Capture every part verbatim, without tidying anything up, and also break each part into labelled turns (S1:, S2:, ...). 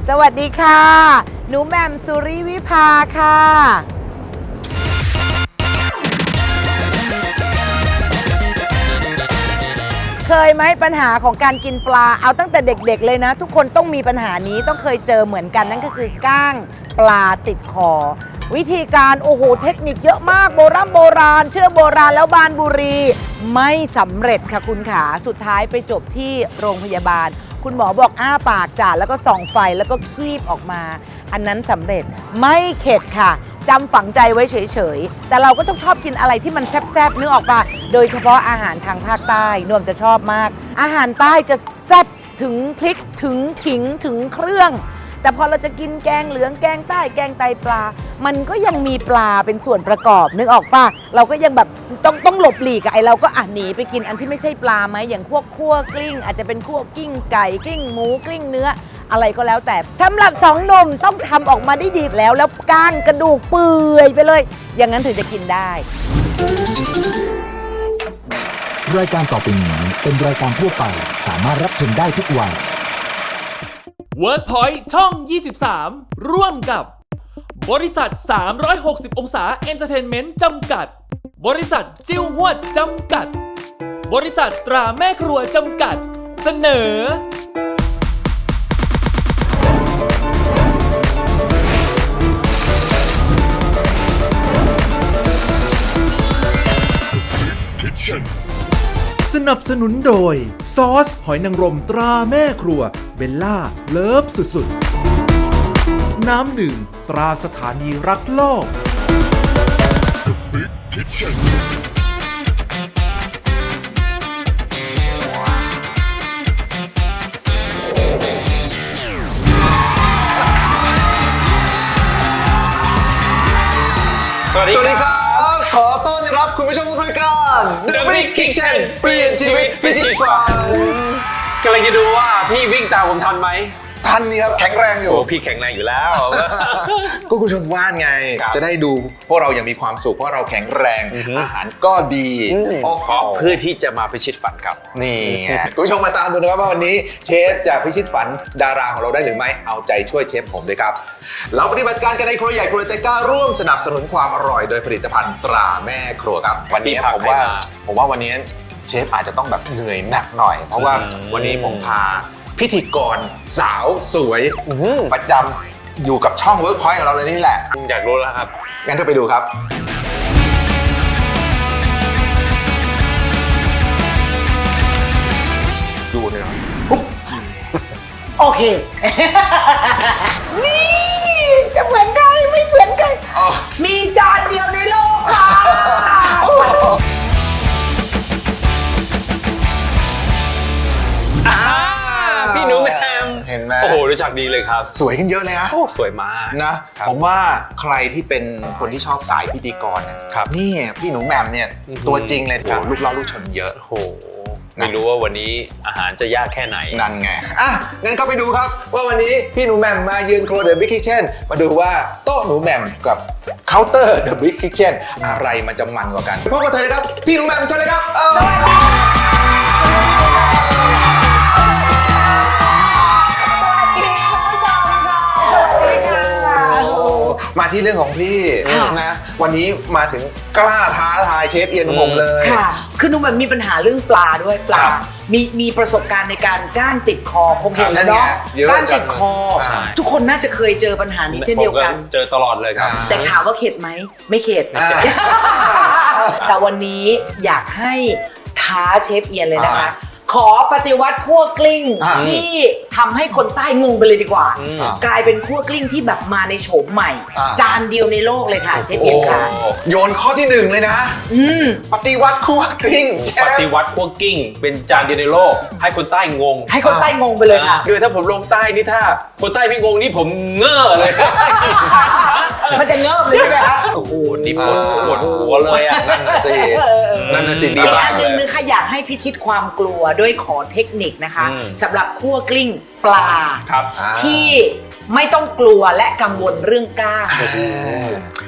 S1: สวัสดีค่ะหนูแหม่มสุริวิภาค่ะเคยไหมปัญหาของการกินปลาเอาตั้งแต่เด็กๆเลยนะทุกคนต้องมีปัญหานี้ต้องเคยเจอเหมือนกันนั่นก็คือก้างปลาติดคอวิธีการโอ้โหเทคนิคเยอะมากโบราณโบราณเชื่อโบราณแล้วบานบุรีไม่สำเร็จค่ะคุณขาสุดท้ายไปจบที่โรงพยาบาลคุณหมอบอกอ้าปากจ่าแล้วก็ส่องไฟแล้วก็คีบออกมาอันนั้นสำเร็จไม่เข็ดค่ะจำฝังใจไว้เฉยๆแต่เราก็ต้องชอบกินอะไรที่มันแซ่บๆนึกออกปะโดยเฉพาะอาหารทางภาคใต้นวมจะชอบมากอาหารใต้จะแซ่บถึงพริกถึงขิงถึงเครื่องแต่พอเราจะกินแกงเหลืองแกงใต้แกงไตปลามันก็ยังมีปลาเป็นส่วนประกอบนึกออกปะเราก็ยังแบบต้องต้องหลบหลีกไอ้เราก็อ่ะหนีไปกินอันที่ไม่ใช่ปลาไหมอย่างพวกคั่วกลิ้งอาจจะเป็นคั่วกลิ้งไก่กลิ้งหมูกลิ้งเนื้ออะไรก็แล้วแต่สำหรับสองหนุ่มต้องทำออกมาได้ดีแล้วแล้วก้างกระดูกเปื่อยไปเลยอย่างนั้นถึงจะกินได้
S2: รายการต่อไปนี้เป็นรายการทั่วไปสามารถรับชมได้ทุกวัย
S3: WordPoint ช่อง ยี่สิบสาม ร่วมกับบริษัท สามร้อยหกสิบ องศาเอนเตอร์เทนเมนต์จำกัดบริษัทจิ้วหวดจำกัดบริษัทตราแม่ครัวจำกัดเสนอ
S4: สนับสนุนโดยซอสหอยนางรมตราแม่ครัวเบลล่าเลิฟสุดๆน้ำหนึ่งตราสถานีรักโลก
S5: สวัสดีครับขอต้อนรับคุณผู้ชมทุกรายการ The Big Kitchen เปลี่ยนชีวิตพิชิตฝันกำลังจะดูว่าพี่วิ่งตามผมทันไหมทันนี่ครับแข็งแรงอยู่โอ้พี่แข็งแรงอยู่แล้วก็คุณชมว่านไงจะได้ดูพวกเรายังมีความสุขเพราะเราแข็งแรงอาหารก็ดีเพราะเพื่อที่จะมาพิชิตฝันครับนี่คุณผู้ชมมาตามดูนะครับว่าวันนี้เชฟจะพิชิตฝันดาราของเราได้หรือไม่เอาใจช่วยเชฟผมด้วยครับเราปฏิบัติการกันในครัวใหญ่ครัวเตก้าร่วมสนับสนุนความอร่อยโดยผลิตภัณฑ์ตราแม่ครัวครับวันนี้ผมว่าผมว่าวันนี้เชฟอาจจะต้องแบบเหนื่อยหนักหน่อยเพราะว่าวันนี้ผมพาพิธีกรสาวสวยประจำอยู่กับช่อง WorkPoint ของเราเลยนี่แหละอยากรู้แล้วครับงั้นก็ไปดูครับดูเลยนะ
S1: โอเคนี่จะเหมือนกันไม่เหมือนกันมีจานเดียวในโลกค่ะ
S5: พี่หนูแมมเห็นไหมโอ้โหรู้จักดีเลยครับสวยขึ้นเยอะเลยนะโอ้สวยมากนะผมว่าใครที่เป็นคนที่ชอบสายพิธีกรนะครับนี่พี่หนูแมมเนี่ยตัวจริงเลยโอ้ลูกเล่าลูกชนเยอะโอ้โหไม่รู้ว่าวันนี้อาหารจะยากแค่ไหนนั่นไงอ่ะงั้นก็ไปดูครับว่าวันนี้พี่หนูแมมมาเยือนครัว The Big Kitchen มาดูว่าโต๊ะหนูแมมกับเคาน์เตอร์ The Big Kitchen อะไรมันจะมันกว่ากันพบกับเธอเลยครับพี่หนูแมมเชิญเลยครับสวัสดีมาที่เรื่องของพี่นะวันนี้มาถึงกล้าท้าทายเชฟเอียนผมเลย
S1: ค่ะคือหนูแบบมีปัญหาเรื่องปลาด้วยปลามีมีประสบการณ์ในการก้างติดคอคงเห็นแล้วเนาะก้างติดคอทุกคนน่าจะเคยเจอปัญหานี้เช่นเดียวกัน
S5: เจอตลอดเลยครับ
S1: แต่ถามว่าเข็ดไหมไม่เข็ดแต่วันนี้อยากให้ท้าเชฟเอียนเลยนะคะขอปฏิวัติคั่วกลิ้งที่ทำให้คนใต้งงไปเลยดีกว่ากลายเป็นคั่วกลิ้งที่แบบมาในโฉมใหม่จานเดียวในโลกเลยค่ะเชฟเอียนค่ะ
S5: โยนข้อที่หนึ่งเลยนะปฏิวัติคั่วกลิ้งปฏิวัติคั่วกลิ้งเป็นจานเดียวในโลกให้คนใต้งง
S1: ให้คนใต้งงไปเลยค่ะ
S5: คือถ้าผมลงใต้นี่ถ้าคนใต้ไม่งงนี่ผมเง่อเลย
S1: มันจะเงิบเลยใช่ไหมคะ
S5: โอ้โหนี่ปวดปวดหัวเลยอ่ะนั่นน่ะสินั่นน่ะสิดีมาก
S1: เลยอีกอันหนึ่งนึงค่ะอยากให้พิชิตความกลัวด้วยขอเทคนิคนะคะสำหรับคั่วกลิ้งปลาที่ไม่ต้องกลัวและกังวลเรื่องก้าง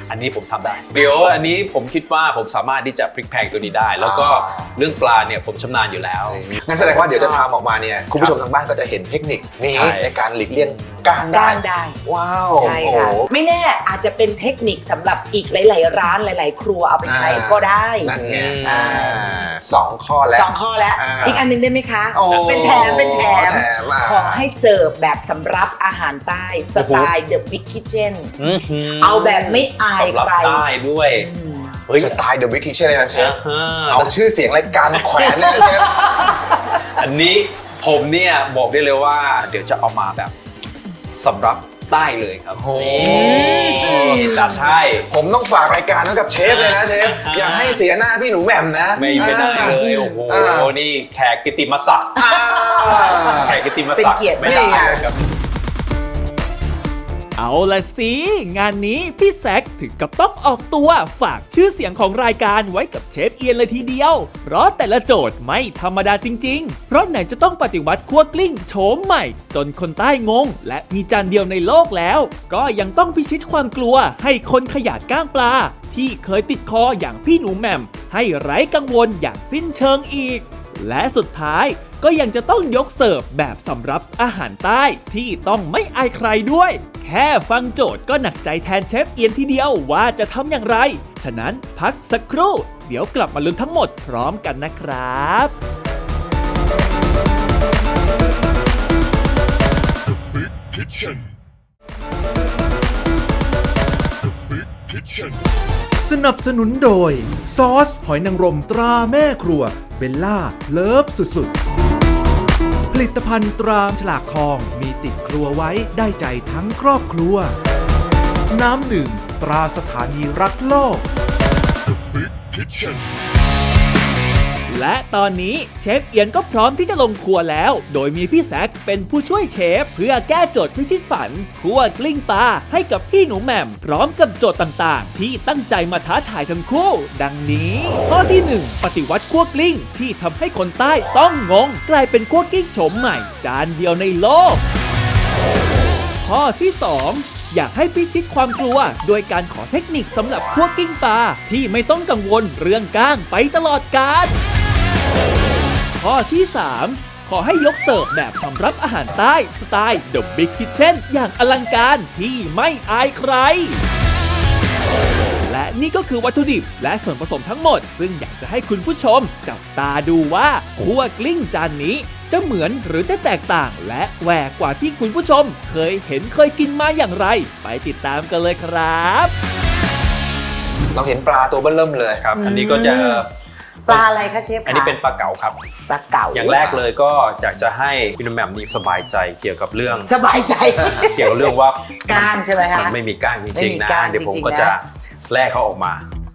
S5: อันนี้ผมทำได้เดี๋ยวอันนี้ผมคิดว่าผมสามารถที่จะพลิกแพลงตัวนี้ได้ แล้วก็เรื่องปลาเนี่ยผมชำนาญอยู่แล้ว
S6: งั้นแสดงว่าเดี๋ยวจะทำออกมาเนี่ยคุณผู้ชมทางบ้านก็จะเห็นเทคนิคนี้
S5: ใช่
S6: ในการหลีกเลี่ยงก้าง
S1: ก้า
S6: ได้
S1: งได้
S6: ว้าว
S1: ใช่ค่ะ
S6: โอ้โห
S1: ไม่แน่อาจจะเป็นเทคนิคสำหรับอีกหลาย ๆ ร้านหลาย ๆ ครัวเอาไปใช้ก็ได้
S6: นั่นไง
S5: อืม
S6: อ่าสองข้อแล้ว
S1: สองข้อแล้ว
S6: อ่า
S1: อีกอันหนึงได้ไหมคะ
S6: โอ้
S1: เป็นแถมเป็นแถม
S6: แถมอ่ะ
S1: ขอให้เสิร์ฟแบบสำรับอาหารใต้สไตล์ The Big Kitchen
S5: อื้อหื
S1: เอาแบบไม่อาย
S5: สำหรับ
S1: ใคร
S5: ใต้ด้วย
S1: อืม
S5: เฮ้ย
S6: สไตล์ The Big Kitchen เลยนะเชฟ
S5: อ่า
S6: เอาชื่อเสียงรายการแขวนเลยนะเชฟ
S5: อันนี้ผมเนี่ยบอกได้เลยว่า เดี๋ยวจะเอามาแบบสำหรับใต้เลยครับ
S6: โอ้โห
S5: นี่จะใช่
S6: ผมต้องฝากรายการไว้กับเชฟเลยนะเชฟ อย่าให้เสียหน้าพี่หนูแหม่มนะ
S5: ไม่ไม่ได้เลยโอ้โห
S6: อ่า
S5: นี่แขกกิตติมศักดิ์
S6: อ่า
S5: แขกกิตติมศักดิ์
S1: เป็นเกียรติ
S5: ไม่ได้
S6: นี่ไง
S5: ครับ
S3: เอาละสิ งานนี้พี่แซคถึงกับต้องออกตัวฝากชื่อเสียงของรายการไว้กับเชฟเอียนเลยทีเดียว เพราะแต่ละโจทย์ไม่ธรรมดาจริงๆ เพราะไหนจะต้องปฏิวัติคั่วกลิ้งโฉมใหม่ จนคนใต้งง และมีจานเดียวในโลกแล้ว ก็ยังต้องพิชิตความกลัวให้คนขยาดก้างปลา ที่เคยติดคออย่างพี่หนูแหม่มให้ไร้กังวลอย่างสิ้นเชิงอีก และสุดท้ายก็ยังจะต้องยกเสิร์ฟแบบสำรับอาหารใต้ที่ต้องไม่อายใครด้วย แค่ฟังโจทย์ก็หนักใจแทนเชฟเอียนทีเดียวว่าจะทำอย่างไร ฉะนั้นพักสักครู่ เดี๋ยวกลับมาลุ้นทั้งหมดพร้อมกันนะครับ
S4: สนับสนุนโดย ซอสหอยนางรมตราแม่ครัวเบลล่าเลิฟสุดๆ ผลิตภัณฑ์ตราฉลากทองมีติดครัวไว้ได้ใจทั้งครอบครัว น้ำหนึ่งตราสถานีรักโลก
S3: และตอนนี้เชฟเอียนก็พร้อมที่จะลงครัวแล้ว โดยมีพี่แซคเป็นผู้ช่วยเชฟเพื่อแก้โจทย์พิชิตฝันคั่วกลิ้งปลาให้กับพี่หนูแหม่มพร้อมกับโจทย์ต่างๆ ที่ตั้งใจมาท้าทายทั้งคู่ ดังนี้ ข้อที่หนึ่งปฏิวัติคั่วกลิ้งที่ทำให้คนใต้ต้องงง กลายเป็นคั่วกลิ้งโฉมใหม่ จานเดียวในโลก ข้อที่สองอยากให้พิชิตความกลัวโดยการขอเทคนิคสำหรับคั่วกลิ้งปลาที่ไม่ต้องกังวลเรื่องก้างไปตลอดกาล ข้อที่สามขอให้ยกเสิร์ฟแบบสำรับอาหารใต้สไตล์ The Big Kitchen อย่างอลังการที่ไม่อายใคร และนี่ก็คือวัตถุดิบและส่วนผสมทั้งหมด ซึ่งอยากจะให้คุณผู้ชมจับตาดูว่าคั่วกลิ้งจานนี้จะเหมือนหรือจะแตกต่าง และแหวกกว่าที่คุณผู้ชมเคยเห็นเคยกินมาอย่างไร ไปติดตามกันเลยครับ
S6: เราเห็นปลาตัวเบิ้ลเริ่มเลย
S5: ครับ อันนี้ก็จะ
S1: ปลาอะไรคะเชฟคะ
S5: อันนี้เป็นปลาเก๋าครับ
S1: ปลาเก๋า
S5: อย่างแรกเลยก็อยากจะให้พี่หนุ่มแหม่มนี่สบายใจเกี่ยวกับเรื่อง
S1: สบายใจ
S5: เกี่ยวกับเรื่องว่า
S1: ก้างใช่ไหมคะ
S5: มันไม่มีก้างจ
S1: ไม่
S5: ริง
S1: มี
S5: ๆนะ
S1: ก้าง
S5: เดี๋ยวผม
S1: จริงๆ
S5: ก็
S1: นะ
S5: จะแลกเขาออกมา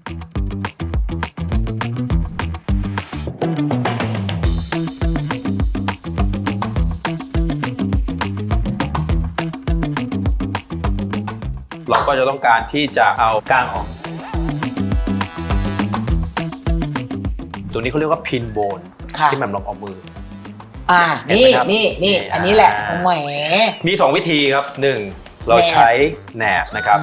S5: เราก็จะต้องการที่จะเอาก้างออก ตัวนี้เขาเรียกว่าพินโบน
S1: ค่ะ
S5: ที่แหม่มลองเอามือ
S1: อ่า
S5: เห็นไห
S1: นี่
S5: มครับ
S1: นี่นี่
S5: นี่
S1: อันนี้แหละ
S5: อ่า
S1: แหม
S5: มีสองวิธีครับหนึ่งเรา
S1: แหนบ
S5: ใช้แหนบนะครับ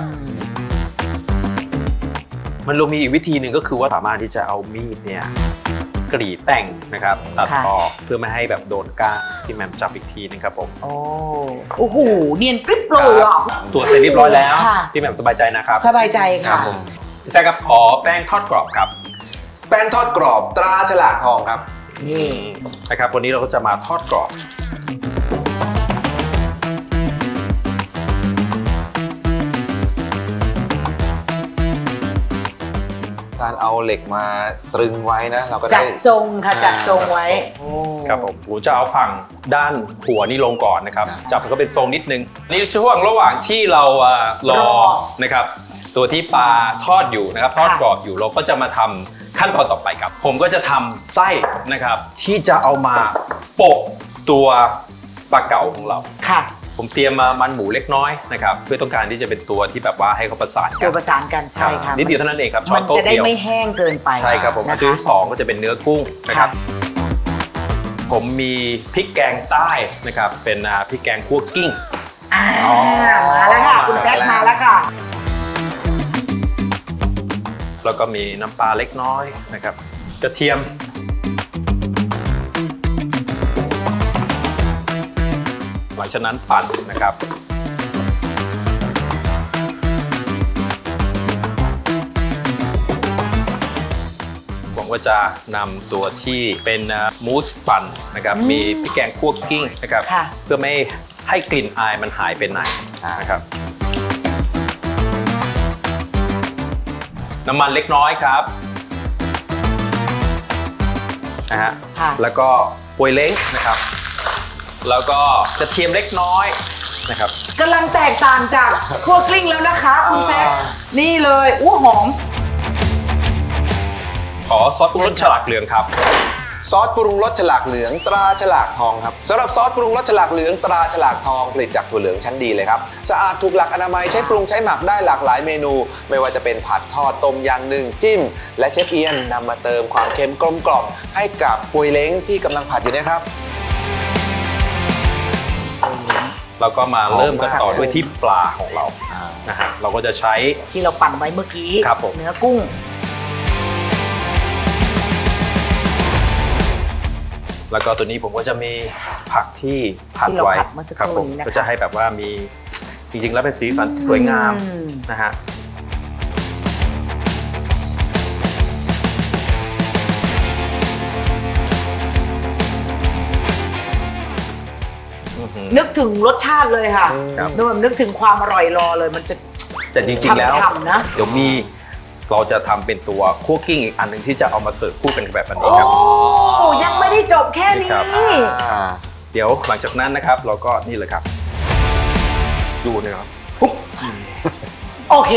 S5: มันลงมีอีกวิธีหนึ่งก็คือว่าสามารถที่จะเอามีดเนี่ยกรีดแต่งนะครับตัด
S1: ค่ะ
S5: ออกเพื่อไม่ให้แบบโดนก้างที่แหมมจับอีกทีนึงครับผม
S1: โอ้โอ้โหเนียนกริบเลยอ่ะ
S5: ตัวเสร็จเรียบร้อยแล้ว
S1: ค่ะ
S5: ที่แหมมสบายใจนะครับ
S1: สบายใจ
S5: ครั
S1: ค่ะ
S5: บผมพี่แซคครับขอแป้งทอดกรอบครับ
S6: แป้งทอดกรอบตราฉลากทองครับ
S1: นี่
S5: นะครับวันนี้เราก็จะมาทอดกรอบ
S6: การเอาเหล็กมาตรึงไว้นะเราก็
S1: จั
S6: ได้
S1: ดทรงค่ะจัดทรงไว้โอ้
S5: ครับผมผมจะเอาฝั่งด้านหัวนี่ลงก่อนนะครับ
S6: ครับ
S5: จับมันก็เป็นทรงนิดนึงนี่ช่วงระหว่างที่เราอ่ารอนะครับ ตัวที่ปลาทอดอยู่นะครับทอดกรอบอยู่เราก็จะมาทำขั้นตอนต่อไปครับ ผมก็จะทำไส้นะครับ ที่จะเอามาโปะตัวปลาเก๋าของเรา
S1: ค่ะ
S5: ผมเตรียมมามันหมูเล็กน้อยนะครับเพื่อต้องการที่จะเป็นตัวที่แบบว่าให้เขาประสานกั
S1: ตัวน ประสานกันใช่ค่ะ
S5: นิดเดียวเท่านั้นเองครับช้อ
S1: มัน น
S5: โต๊ะ
S1: จะได้
S5: เดียว
S1: ไม่แห้งเกินไป
S5: ใช่ครับผม
S1: นะ
S5: ตัว
S1: คะ
S5: ที่สองก็จะเป็นเนื้อกุ้งนะครับ ผมมีพริกแกงใต้นะครับ เป็นอ่าพริกแกงคั่วกิ้ง
S1: อ่า
S6: อ๋อ
S1: มาแล้วค่ะ คุณแซคมาแล้วค่ะ
S5: แล้วก็มีน้ำปลาเล็กน้อยนะครับกระเทียมหลังจากนั้นปั่นนะครับหวังว่าจะนำตัวที่เป็นมูสปั่นนะครับมีพริกแกงคั่วกิ้งนะครับเพื่อไม่ให้กลิ่นอายมันหายไปไหนนะครับน้ำมันเล็กน้อยครับนะฮะแล้วก็ป่วยเล้งนะครับแล้วก็กระเทียมเล็กน้อยนะครับ
S1: กำลังแตกต่างจากคั่วกลิ้งแล้วนะคะคุณแซคนี่เลยอู้หอม
S5: ขอซอสปรุงรสฉลากเหลืองครับ
S6: ซอสปรุงรสฉลากเหลืองตราฉลากทองครับสำหรับซอสปรุงรสฉลากเหลืองตราฉลากทองผลิตจากถั่วเหลืองชั้นดีเลยครับสะอาดถูกหลักอนามัยใช้ปรุงใช้หมักได้หลากหลายเมนู ไม่ว่าจะเป็นผัดทอดต้มยำนึ่งจิ้มและเชฟเอียนนำมาเติมความเค็มกลมกล่อมให้กับปุยเล้งที่กำลังผัดอยู่เนี่ยครับ
S5: เราก็มาเริ่มกันต่อด้วยที่ปลาของเรานะฮะเราก็จะใช้
S1: ที่เราปั่นไว้เมื่อกี้
S5: ครับผม
S1: เนื้อกุ้ง
S5: แล้วก็ตัวนี้ผมก็จะมีผักที่ผัด
S1: ที่เรา
S5: ไว้
S1: ผัดเมื่อสักค
S5: ครับ
S1: รู่
S5: ผม
S1: นี้นะคะ
S5: ก็จะให้แบบว่ามีจริงๆแล้วเป็นสีสันสวยงามนะฮะ
S1: นึกถึงรสชาติเลยค่ะ
S5: ครับ
S1: นึกแบบนึกถึงความอร่อยรอเลยมันจะ
S5: แต่จริงๆแล้ว
S1: ฉ่ำๆนะ
S5: เดี๋ยวมีเราจะทำเป็นตัวคั่วกิ้งอีกอันหนึ่งที่จะเอามาเสิร์ฟคู่กันแบบนี้
S1: โอ้
S5: ครับ
S1: ยังไม่ได้จบแค่นี้
S5: ครับ เดี๋ยวหลังจากนั้นนะครับเราก็นี่เลยครับดูนะครับปุ๊บ
S1: โอเค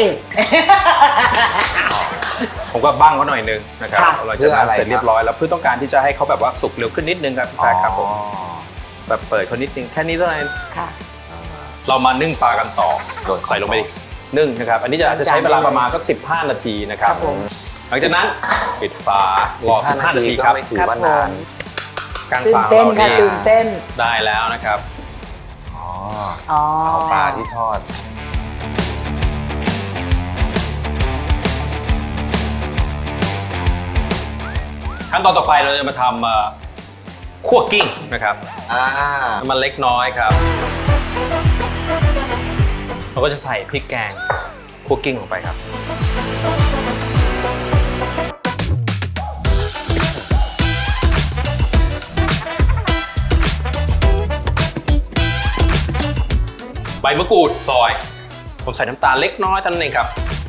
S5: ผมก็บ้างเขาหน่อยนึงนะครับ
S1: ค่ะ
S5: หลังจากนั้น
S6: เพื่ออะไร
S5: เสร็จเรียบร้อยแล้วเพื่อต้องการที่จะให้เขาแบบว่าสุกเร็วขึ้นนิดนึงครับพี่แซคครับผมแบบเปิดเขานิดนึงแค่นี้เท่านั้น
S1: ค่ะ
S5: เรามานึ่งปลากันต่อ
S6: โดด
S5: ใส่ลงไปนึ่งนะครับอันนี้จะจะใช้เวลาประมาณสักสิบห้านาทีนะครับ
S1: ครับผม
S5: หลังจากนั้นปิดฝารอสิบห้านาที
S6: ก็
S5: ครับ
S6: ไม่ถือว่านาน
S5: การ
S1: ตื่
S5: ฝ
S1: น
S5: า
S1: เต้น
S5: เรา
S1: ค่ะ
S5: นี่
S1: ตื่นเต้น
S5: ได้แล้วนะครับ
S6: อ๋อ
S1: อ๋อ
S6: เอาปลาที่ทอด
S5: ขั้นตอนต่อไปเราจะมาทำเอ่อคั่วกิ้งนะครับ
S6: อ่า
S5: น้ำมันเล็กน้อยครับ เราก็จะใส่พริกแกงคั่วกิ้งลงไปครับใบมะกรูดซอย ผมใส่น้ำตาลเล็กน้อยเท่านั้นเองครับ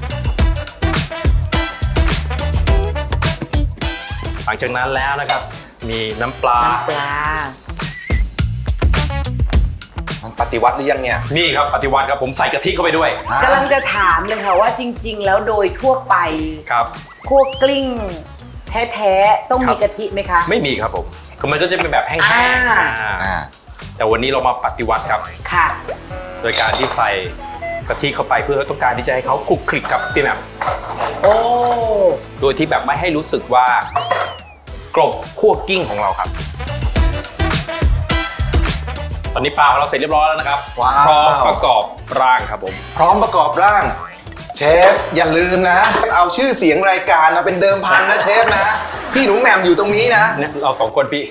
S5: หลังจากนั้นแล้วนะครับ มีน้ำปลา
S1: น้ำปลา
S6: มันปฏิวัติหรือยังเนี่ย
S5: นี่ครับปฏิวัติครับผมใส่กะทิเข้าไปด้วย
S6: อ่ะ
S1: กำลังจะถามเลยค่ะว่าจริง ๆ แล้วโดยทั่วไป
S5: ครับ
S1: คั่วกลิ้งแท้ๆต้อง
S5: ครั
S1: มี
S5: บ
S1: กะทิไหมคะ
S5: ไม่มีครับผมคือมันก็จะเป็นแบบแห้ง
S1: อ่า
S5: ๆอ่า
S6: อ่า
S5: แต่วันนี้เรามาปฏิวัติครับ
S1: ค่ะ
S5: โดยการที่ใส่กะทิเข้าไปเพื่อต้องการที่จะให้เขาคลุกคลิกกับพี่แหม่ม
S1: โอ้
S5: โดยที่แบบไม่ให้รู้สึกว่ากลบคั่วกิ้งของเราครับ ตอนนี้ปลาของเราเสร็จเรียบร้อยแล้วนะครับ
S6: ว้าว
S5: พร้อมประกอบร่างครับผม
S6: พร้อมประกอบร่าง เชฟอย่าลืมนะ เอาชื่อเสียงรายการมาเป็นเดิมพันนะเชฟนะ พี่หนูแหม่มอยู่ตรงนี้นะ
S5: เนี่ยเราสองคนพี่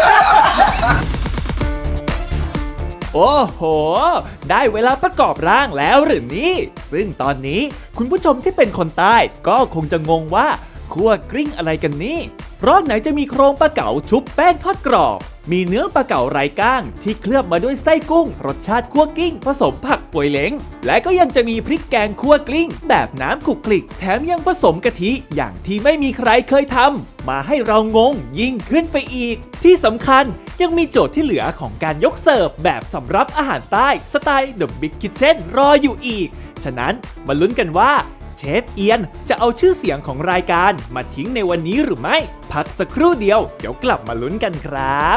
S3: โอ้โห ได้เวลาประกอบร่างแล้วหรือนี่ ซึ่งตอนนี้คุณผู้ชมที่เป็นคนใต้ก็คงจะงงว่าคั่วกลิ้งอะไรกันนี่ เพราะไหนจะมีโครงปลาเก๋าชุบแป้งทอดกรอบ มีเนื้อปลาเก๋าไร้ก้างที่เคลือบมาด้วยไส้กุ้ง รสชาติคั่วกลิ้งผสมผักป่วยเล้ง และก็ยังจะมีพริกแกงคั่วกลิ้ง แบบน้ำขลุกคลิก แถมยังผสมกะทิอย่างที่ไม่มีใครเคยทำมาให้เรางงยิ่งขึ้นไปอีก ที่สำคัญยังมีโจทย์ที่เหลือของการยกเสิร์ฟแบบสำรับอาหารใต้สไตล์ The Big Kitchen รออยู่อีก ฉะนั้นมาลุ้นกันว่าเชฟเอียนจะเอาชื่อเสียงของรายการมาทิ้งในวันนี้หรือไม่ พักสักครู่เดียวเดี๋ยวกลับมาลุ้นกันครับ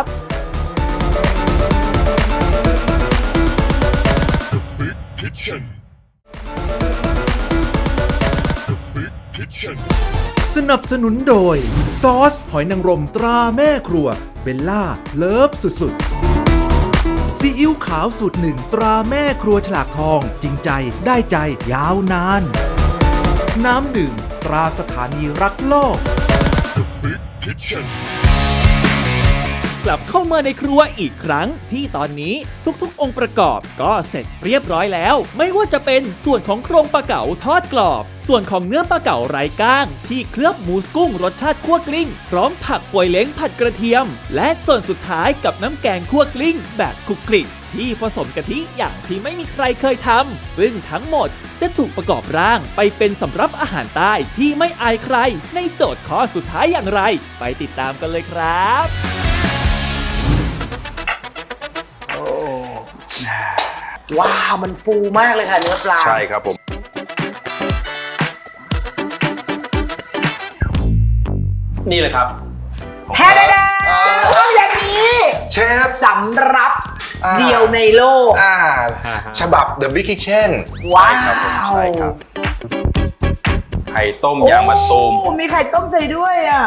S4: สนับสนุนโดย ซอสหอยนางรมตราแม่ครัวเบลล่าเลิฟสุดๆซีอิ๊วขาวสูตรหนึ่งตราแม่ครัวฉลากทองจริงใจได้ใจยาวนาน น้ำดื่มตราสถานีรักโลก
S3: กลับเข้ามาในครัวอีกครั้งที่ตอนนี้ทุกๆ องค์ประกอบก็เสร็จเรียบร้อยแล้วไม่ว่าจะเป็นส่วนของโครงปลาเก๋าทอดกรอบส่วนของเนื้อปลาเก๋าไร้ก้างที่เคลือบหมูสกุ้งรสชาติคั่วกลิ้งพร้อมผักป่วยเล้งผัดกระเทียมและส่วนสุดท้ายกับน้ำแกงคั่วกลิ้งแบบคลุกคลิกที่ผสมกะทิอย่างที่ไม่มีใครเคยทำซึ่งทั้งหมดจะถูกประกอบร่างไปเป็นสำรับอาหารใต้ที่ไม่อายใครในโจทย์ข้อสุดท้ายอย่างไรไปติดตามกันเลยครับ
S1: ว้าวมันฟูมากเลยค่ะเนื้อปลา
S5: ใช่ครับผม นี่เลยครับ
S1: แท้ได้ต้องอย่างนี้
S6: เชฟ
S1: สำรับ
S6: อ่า
S1: เดียวในโลก
S6: อ่าฉบับ The Big Kitchen
S1: ว้า
S5: ใช่
S1: ว
S5: ครับ ไข่ต้มยางมะตูม
S1: โอ้มีไข่ต้มใส่ด้วยอ่ะ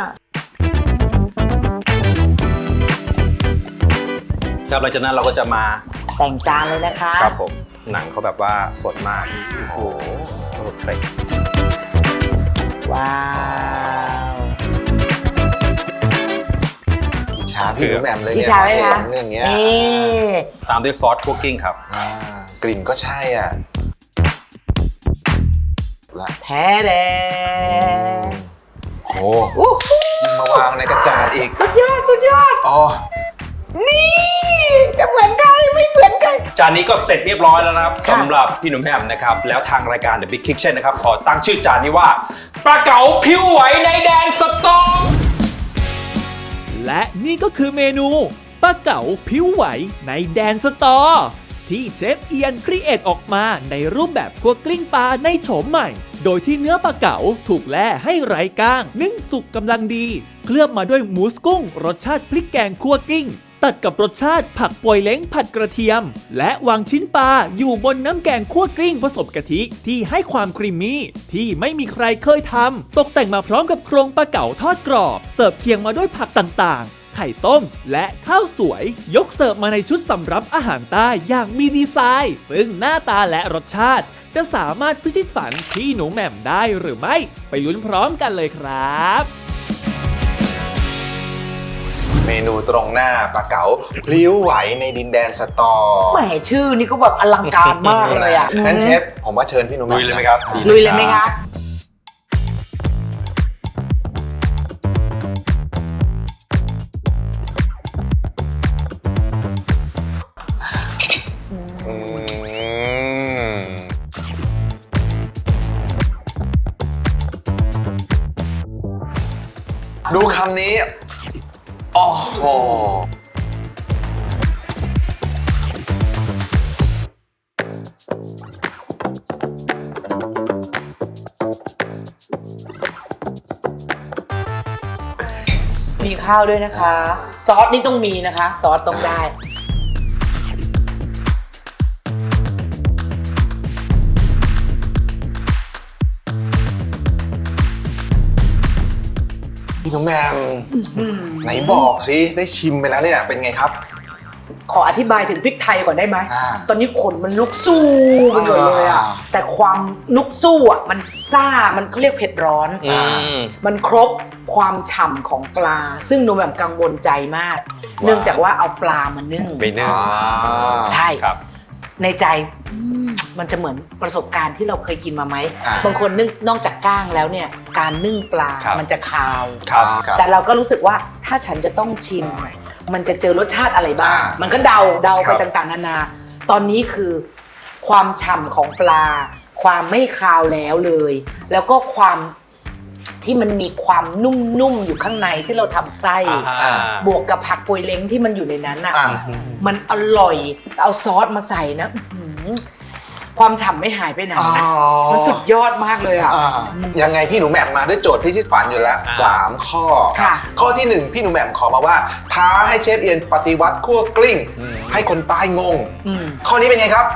S5: ครับหลังจากนั้นเราก็จะมา
S1: แต่งจานเลยนะคะ
S5: ครับผมหนังเขาแบบว่าสดมากโอ้โหเพอร์เฟกต์
S1: ว้าว
S6: อิจฉาพี่หนูแหม่มเลย
S1: อิจ
S6: เนี่ย
S1: ฉาไหมคะ
S6: เรื่องเนี้ย
S1: นี่
S5: ตามด้วยซอสคุกกิ้งครับ
S6: อ่ากลิ่นก็ใช่อ่ะละ
S1: แท้แดง
S6: โอ้
S1: อู้หู
S6: ยิ่งมาวางในกระจาดอีก
S1: สุดยอดสุดยอด
S6: อ๋อ
S1: นี่จะเหมือนใครไม่เหมือนใคร
S5: จานนี้ก็เสร็จเรียบร้อยแล้วนะครับ
S1: ค่ะ
S5: สำหรับพี่หนุ่มแหม่มนะครับ แล้วทางรายการ The Big Kitchen นะครับ ขอตั้งชื่อจานนี้ว่าปลาเก๋าผิวไหวในแดนสตอม
S3: และนี่ก็คือเมนูปลาเก๋าผิวไหวในแดนสตอที่เชฟเอียนครีเอทออกมาในรูปแบบคั่วกลิ้งปลาในโฉมใหม่ โดยที่เนื้อปลาเก๋าถูกแล่ให้ไร้ก้างนึ่งสุกกำลังดี เคลือบมาด้วยหมูสกุ้งรสชาติพริกแกงคั่วกลิ้ง ตัดกับรสชาติผักป่วยเล้งผัดกระเทียม และวางชิ้นปลาอยู่บนน้ำแกงคั่วกลิ้งผสมกะทิที่ให้ความครีมมี่ที่ไม่มีใครเคยทำตกแต่งมาพร้อมกับโครงปลาเก๋าทอดกรอบเสิร์ฟเคียงมาด้วยผักต่างๆไข่ต้มและข้าวสวยยกเสิร์ฟมาในชุดสำรับอาหารใต้อย่างมีดีไซน์ซึ่งหน้าตาและรสชาติจะสามารถพิชิตฝันพี่หนูแหม่มได้หรือไม่ไปลุ้นพร้อมกันเลยครับ
S6: เมนูตรงหน้าปลาเก๋าพลิ้วไหวในดินแดนสตอ
S1: แหมชื่อนี่ก็แบบอลังการมากเลยอ่ะ
S6: งั้นเชฟผมว่าเชิญพี่หนุ่ม
S5: ลุยเลยไหมครับ
S6: อ่ะ
S1: ลุยเลยไหมคะ
S6: อืมดูคำนี้ โอ้โห
S1: มีข้าวด้วยนะคะ ซอสนี่ต้องมีนะคะ ซอสต้องได้
S6: พี่หนุ่มแหม่มไหนบอกสิได้ชิมไปแล้วเนี่ยเป็นไงครับ
S1: ขออธิบายถึงพริกไทยก่อนได้ไหม
S6: อ่า
S1: ตอนนี้ขนมันลุกสู้ไปหมดเลยอ่ะ
S6: อ่า
S1: แต่ความลุกสู้อ่ะมันซ่า มันเขาเรียกเผ็ดร้อน
S5: อืม
S1: มันครบความฉ่ำของปลา ซึ่งหนูแบบกังวลใจมาก เนื่องจากว่าเอาปลามานึ่ง
S5: ไปนึ่ง
S6: อ่า
S1: ใช่
S5: ครับ
S1: ในใจอืมมันจะเหมือนประสบการณ์ที่เราเคยกินมาไหม
S6: อ่า
S1: บางคนนึ่งนอกจากก้างแล้วเนี่ย การนึ่งปลา
S5: ครับ
S1: มันจะคาว
S5: ครับ
S6: ครับ
S1: แต่เราก็รู้สึกว่าถ้าฉันจะต้องชิม มันจะเจอรสชาติอะไรบ้าง
S6: อ่ามั
S1: มันก็เดาเดา
S5: ค
S1: ไป
S5: รับ
S1: ต่างๆนานา ตอนนี้คือความฉ่ำของปลา ความไม่คาวแล้วเลย แล้วก็ความที่มันมีความนุ่มๆอยู่ข้างในที่เราทำไส้
S5: อ่า
S1: บวกกับผักปวยเล้งที่มันอยู่ในนั้นอ่ะ
S6: อ่า
S1: มันอร่อยเอาซอสมาใส่นะอื้อหือความฉ่ำไม่หายไปไหน
S6: อ๋อ
S1: มันสุดยอดมากเลยอ่ะ
S6: อ่ายังไงพี่หนูแหม่มมาด้วยโจทย์พิชิตฝันอยู่แล้ว
S5: อ่า
S6: สามข้อ
S1: ค่ะ
S6: ข้อที่หนึ่งพี่หนูแหม่มขอมาว่าท้าให้เชฟเอียนปฏิวัติคั่วกลิ้ง ให้คนใต้งง
S1: อืม
S6: ข้อนี้เป็นไงครับ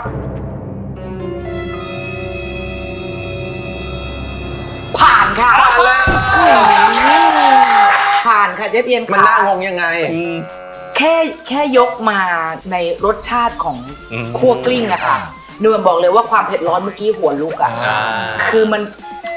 S1: ผ่านค่ะ
S6: ผ่านแล้ว
S1: ผ่านค่ะเชฟเอียน
S6: มัน
S1: ค่ะ
S6: น่างงยังไง
S1: แค่แค่ยกมาในรสชาติของ
S5: อืม
S1: คั่วกลิ้งอะค่ะ
S6: อ่า
S1: หนูบอกเลยว่าความเผ็ดร้อนเมื่อกี้หัวลุกอะ
S6: อ่า
S1: คือมัน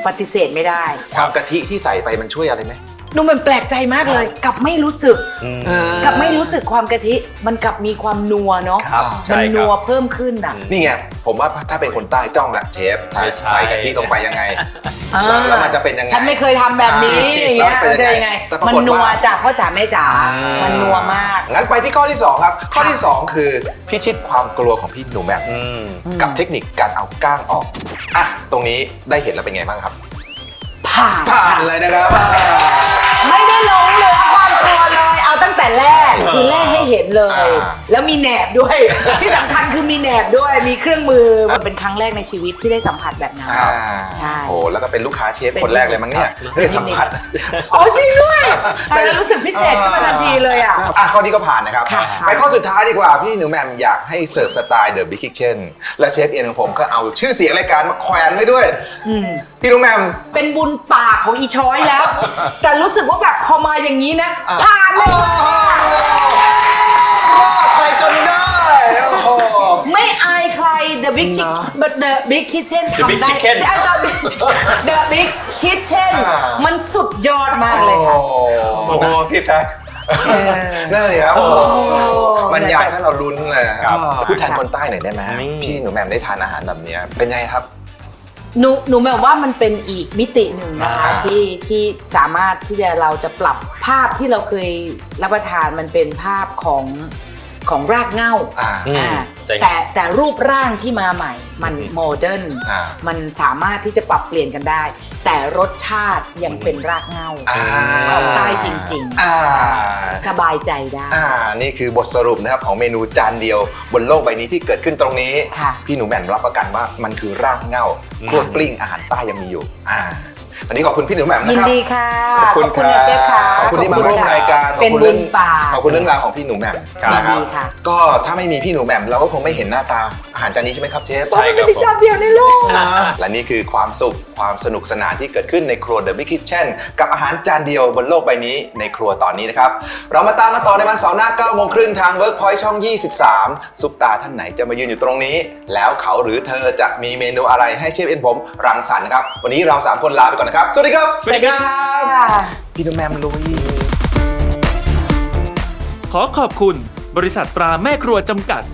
S1: ปฏิเสธไม่ได้
S6: ความกะทิที่ใส่ไปมันช่วยอะไรไหม
S1: หนุ่มมันแปลกใจมากเลยกลับไม่รู้สึกกลับไม่รู้สึกความกะทิมันกลับมีความนัวเนาะ
S5: ครับใช่
S1: มัน
S5: ครับ
S1: นัวเพิ่มขึ้นอ่ะ
S6: นี่ไงผมว่าถ้าเป็นคนใต้จ้องละเชฟ
S5: ไม่ใช่
S6: ใส่กะทิลงไปยังไง
S1: อ่า
S6: แล้วมันจะเป็นยังไง
S1: ฉันไม่เคยทำแบบนี้อย่างเงี้ย
S6: แล้ว
S1: มันจะยังไง
S6: แต่ปรา
S1: มัน
S6: กฏ
S1: นัว
S6: ว่า
S1: จากพ่อจ๋าแม่จ๋ามันนัวมาก
S6: งั้นไปที่ข้อที่สองครับ ข้อที่สองคือพิชิตความกลัวของพี่หนูแหม่ม
S5: อืม
S6: กับเทคนิคการเอาก้างออกอ่ะตรงนี้ได้เห็นแล้วเป็นไงบ้างครับ
S1: ผ่าน
S6: ผ่านเลยนะครับ
S1: ไม่ได้หลงเหลือความกลัวเลย เอาตั้งแต่แรกคือแรกให้เห็นเลย
S6: อ่า
S1: แล้วมีแหนบด้วย ที่สำคัญคือมีแหนบด้วยมีเครื่องมือมันเป็นครั้งแรกในชีวิตที่ได้สัมผัสแบบนั้น
S6: อ่า
S1: ใช่
S6: โอ้แล้วก็เป็นลูกค้าเชฟคนแรกเลยมั้งเนี่ยได้สัมผัส
S1: อ๋อจริงด้วยแต่แล้วรู้สึกพิเศษขึ้นมาทันทีเลยอ่ะ
S6: อ่ะข้อนี้ก็ผ่านนะครับ
S1: ค่ะ
S6: ไปข้อสุดท้ายดีกว่า พี่หนูแหม่มอยากให้เสิร์ฟสไตล์ The Big Kitchen และเชฟเอียนของผมก็เอาชื่อเสียงรายการมาแขวนไว้ด้วย พี่หนูแหม่ม
S1: เป็นบุญปากของอีช้อยแล้ว แต่รู้สึกว่าแบบพอมาอย่างนี้นะ ผ่านเลยค่ะ
S6: รอดไปจนได้โอ้โห
S1: ไม่อายใคร The Big Chick but The Big Kitchen
S5: The Big
S1: ทำได้
S5: Chicken
S1: ได้ The Big The Big Kitchen
S6: อ่ามั
S1: มันสุดยอดมากเลยค่ะ
S5: โอ้โหพี่แซค
S6: นั่นเลยครับโอ้โห
S1: โอ้
S6: บรรยายถ้าเราลุ้นเลยนะค
S5: ครั
S6: รับบ พูดแทนคนใต้หน่อยได้ไหม
S5: นี่
S6: พี่หนูแหม่มได้ทานอาหารแบบเนี้ยเป็นไงครับ
S1: หนูหนูแบบว่ามันเป็นอีกมิติหนึ่งนะคะ
S6: อ่า
S1: ที่ที่สามารถที่จะเราจะปรับภาพที่เราเคยรับประทานมันเป็นภาพของของรากเหง้า
S6: อ่า
S1: อ่า
S5: ใช่
S1: แต่แต่รูปร่างที่มาใหม่ มันโมเดิร์น
S6: อ่า
S1: มันสามารถที่จะปรับเปลี่ยนกันได้ แต่รสชาติยังเป็นรากเหง้า
S6: อ่า
S1: ของใต้จริง
S6: อ่า
S1: ๆ สบายใจได้
S6: อ่า นี่คือบทสรุปนะครับของเมนูจานเดียวบนโลกใบนี้ที่เกิดขึ้นตรงนี้
S1: ค่ะ
S6: พี่หนูแหม่มรับประกันว่ามันคือรากเหง้าครัวกลิ้งอาหารใต้ยังมีอยู่ อ่า วันนี้ขอบคุณพี่หนูแหม่มนะ
S1: ยิน
S6: ครับ
S1: ดีค่ะ
S6: ขอบคุณ
S1: ขอบคุณนะเชฟค่ะ
S6: ขอบคุณที่มาร่วม
S1: ค่ะ
S6: รายการ
S1: เป็น
S6: ขอบคุณ
S1: บุ
S6: เรื่
S1: ญ
S6: อง
S1: ปาก
S6: ขอบคุณเรื่องราวของพี่หนูแหม่ม
S5: ครับ
S6: นะครับ
S1: ดีค่ะ
S6: ก็ถ้าไม่มีพี่หนูแหม่มเราก็คงไม่เห็นหน้าตาอาหารจานนี้ใช่ไหมครับเชฟ
S5: ใช่ครับ
S1: มีจานเดียวในโลก
S6: และนี่คือความสุขความสนุกสนานที่เกิดขึ้นในครัว The Big Kitchen กับอาหารจานเดียวบนโลกใบนี้ในครัวตอนนี้นะครับ เรามาตามมาต่อในวันเสาร์หน้าเก้าโมงครึ่งทาง Workpoint ช่อง ยี่สิบสาม ซุปตาท่านไหนจะมายืนอยู่ตรงนี้ แล้วเขาหรือเธอจะมีเมนูอะไรให้เชฟเอ็นผมรังสรรค์นะครับ วันนี้เราสามคนลาไปก่อนนะครับ สวัสดีครับ
S5: สวัสดีครับ
S6: พี่หนูแหม่มลุย
S3: ขอขอบคุณบริษัทตราแม่ครัวจำกัด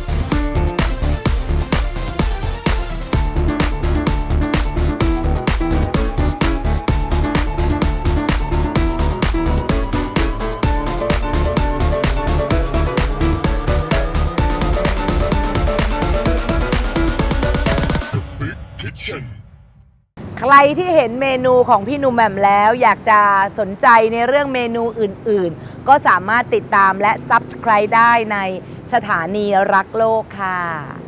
S1: ใครที่เห็นเมนูของพี่หนุ่มแหม่มแล้ว อยากจะสนใจในเรื่องเมนูอื่นๆ ก็สามารถติดตามและ ซับสไครบ์ ได้ในสถานีรักโลกค่ะ